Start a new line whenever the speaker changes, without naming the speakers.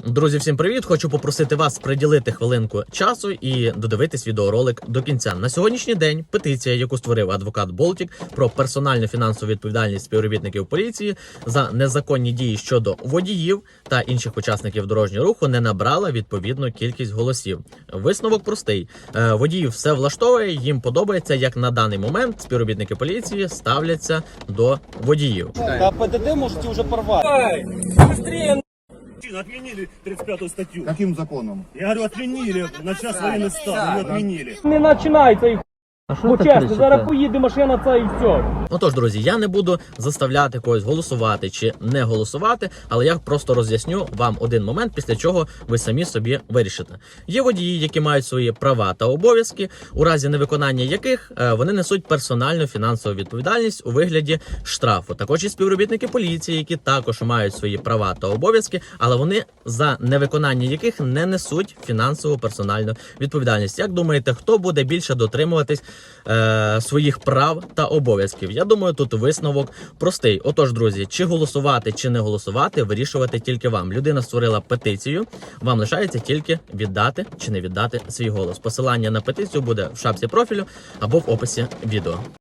Друзі, всім привіт! Хочу попросити вас приділити хвилинку часу і додивитись відеоролик до кінця. На сьогоднішній день петиція, яку створив адвокат Болтік про персональну фінансову відповідальність співробітників поліції за незаконні дії щодо водіїв та інших учасників дорожнього руху, не набрала відповідну кількість голосів. Висновок простий. Водіїв все влаштовує, їм подобається, як на даний момент співробітники поліції ставляться до водіїв.
Да ПДД можете уже порвать.
Быстрее! Отменили 35-ю статью.
Каким законом?
Я говорю, отменили. На час военный стан. Ее отменили.
Не починається їх. Бо чесно, зараз поїде машина ця і все.
Отож, друзі, я не буду заставляти когось голосувати чи не голосувати, але я просто роз'ясню вам один момент, після чого ви самі собі вирішите. Є водії, які мають свої права та обов'язки, у разі невиконання яких вони несуть персональну фінансову відповідальність у вигляді штрафу. Також і співробітники поліції, які також мають свої права та обов'язки, але вони за невиконання яких не несуть фінансову персональну відповідальність. Як думаєте, хто буде більше дотримуватись своїх прав та обов'язків? Я думаю, тут висновок простий. Отож, друзі, чи голосувати, чи не голосувати, вирішувати тільки вам. Людина створила петицію, вам лишається тільки віддати чи не віддати свій голос. Посилання на петицію буде в шапці профілю або в описі відео.